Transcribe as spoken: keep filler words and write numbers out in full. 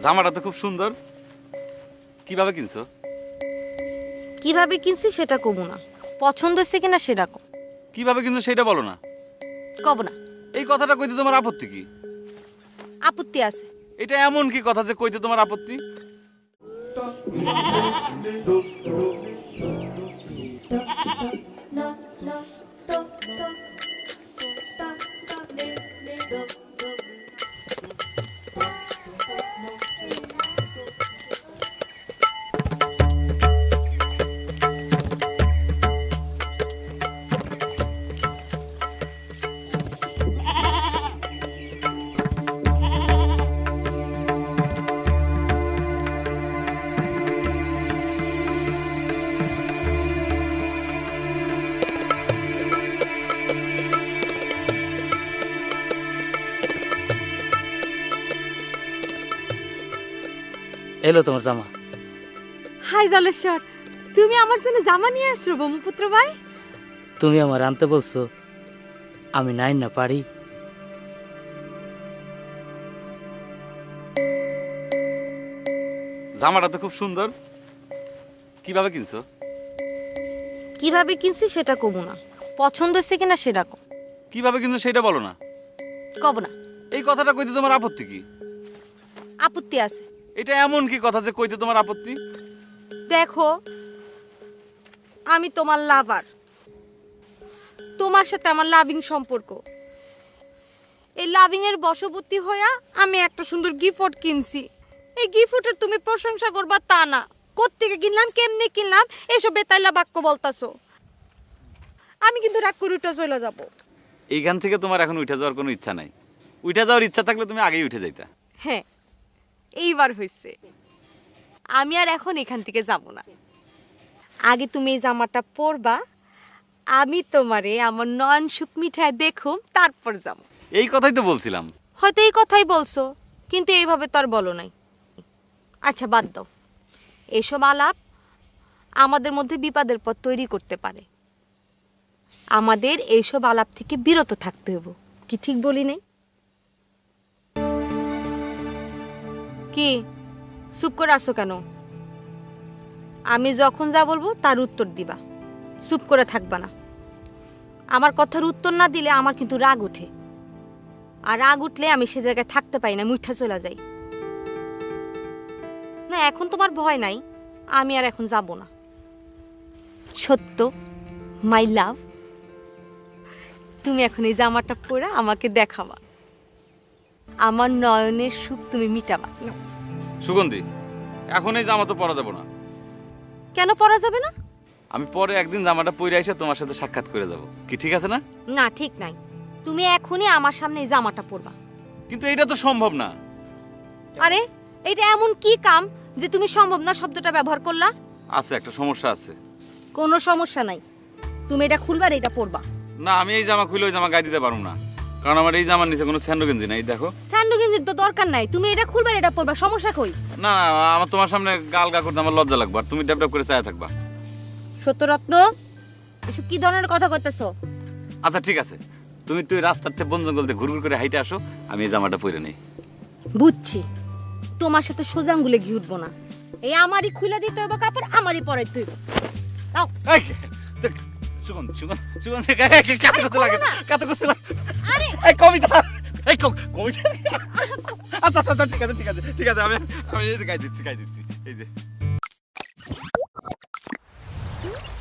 জামাটা তো খুব সুন্দর। কিভাবে কিনছো? কিভাবে কিনছি সেটা কব না, পছন্দ হচ্ছে কিনা সেটা কব। কিভাবে কিনছো সেটা বলো না। কব না। এই কথাটা কইতে তোমার আপত্তি কি? আপত্তি আছে। এটা এমন কি কথা যে কইতে তোমার আপত্তি? এলো তোমার জামা। হাই জলেশ্বর, তুমি আমার জন্য জামা নিয়ে আসছো ব্রহ্মপুত্র ভাই? তুমি আমার আনতে বলছো, আমি নাই না পারি। জামাটা তো খুব সুন্দর। কিভাবে কিনছো? কিভাবে কিনছি সেটা কব না, পছন্দ হচ্ছে কিনা সেটা কব। কিভাবে কিনছো সেটা বলো না। কব না। এই কথাটা কইতে তোমার আপত্তি কি? আপত্তি আছে। এটা এমন কি কথা যে কইতে তোমার আপত্তি? দেখো, আমি তোমার লাভার, তোমার সাথে আমার লাভিং সম্পর্ক। এই লাভিং এর বশবর্তী হইয়া আমি একটা সুন্দর গিফট কিনছি। এই গিফটের তুমি প্রশংসা করবা তা না, কোত্থেকে কিনলাম, কেমনে কিনলাম, এসব বেতাইলা বাক্য বলতাছো। আমি কিন্তু রাগ করে উঠে চলে যাব। এইখান থেকে তোমার এখন উঠে যাওয়ার কোনো ইচ্ছা নাই। উঠে যাওয়ার ইচ্ছা থাকলে তুমি আগেই উঠে যাইতা। হ্যাঁ, এইবার হয়েছে। আমি আর এখন এখান থেকে যাব না। আগে তুমি এই জামাটা পরবা, আমি তোমারে আমার নয়ন সুখ মিঠায় দেখুম, তারপর যাব। এই কথাই তো বলছিলাম। হয়তো এই কথাই বলছো, কিন্তু এইভাবে তো আর বলো নাই। আচ্ছা বাদ দাও, এসব আলাপ আমাদের মধ্যে বিপদের পথ তৈরি করতে পারে। আমাদের এইসব আলাপ থেকে বিরত থাকতে হবে। কি ঠিক বলি নাই? কি চুপ করে আসো কেন? আমি যখন যা বলবো তার উত্তর দিবা, চুপ করে থাকবা না। আমার কথার উত্তর না দিলে আমার কিন্তু রাগ ওঠে, আর রাগ উঠলে আমি সে জায়গায় থাকতে পারি না, মুঠা চলে যাই। না, এখন তোমার ভয় নাই, আমি আর এখন যাব না। সত্য, মাই লাভ, তুমি এখন এই জামাটা পরে আমাকে দেখাবা, আমার নয়নের সুখ তুমি মিটাবা। সুগন্ধি, এখন এই জামা তো পরা যাবো না। কেন পরা যাবে না? আমি পরে একদিন জামাটা পরে এসে তোমার সাথে সাক্ষাৎ করে যাব। কি ঠিক আছে না? না, ঠিক নাই। তুমি এখনই আমার সামনে এই জামাটা পরবা। কিন্তু এটা তো সম্ভব না। আরে, এটা এমন কি কাম যে তুমি সম্ভব না শব্দটা ব্যবহার করলা? আছে, একটা সমস্যা আছে। কোনো সমস্যা নাই, তুমি এটা খুলবা আর এটা পরবা। না, আমি এই জামা খুলে ওই জামা গায়ে দিতে পারবো না, কারণ আমার এই জামার নিচে কোনো স্যান্ডো গেঞ্জি নাই। দেখো, স্যান্ডো গেঞ্জির তো দরকার নাই, তুমি এটা খুলবা আর এটা পরবা, সমস্যা কই? না না, আমার তোমার সামনে গাল গা করতে আমার লজ্জা লাগবে, আর তুমি ড্যাপ ড্যাপ করে চায়া থাকবা। সত্যরত্ন, এসব কি ধরনের কথা কইতেছো? আচ্ছা ঠিক আছে, তুমি একটু ওই রাস্তার থেকে বন জঙ্গল দিয়ে ঘুরঘুর করে হাইটে আসো, আমি এই জামাটা পরে নেই। বুঝছি, তোমার সাথে সোজা আঙ্গুলে ঘি উঠবো না। এই আমারই খুলে দিতে হইব কাপড়, আমারই পরাইতে হইব। দাও। এই, দেখ, সুগন্ধি, সুগন্ধি, সুগন্ধি, কাকে কাকে করতে লাগে? কাকে করতে লাগে? আরে, এই কবিতা, এই ক- কবিতা। আচ্ছা আচ্ছা আচ্ছা, ঠিক আছে ঠিক আছে ঠিক আছে, আমি আমি এই যে গাই দিচ্ছি গাই দিচ্ছি এই যে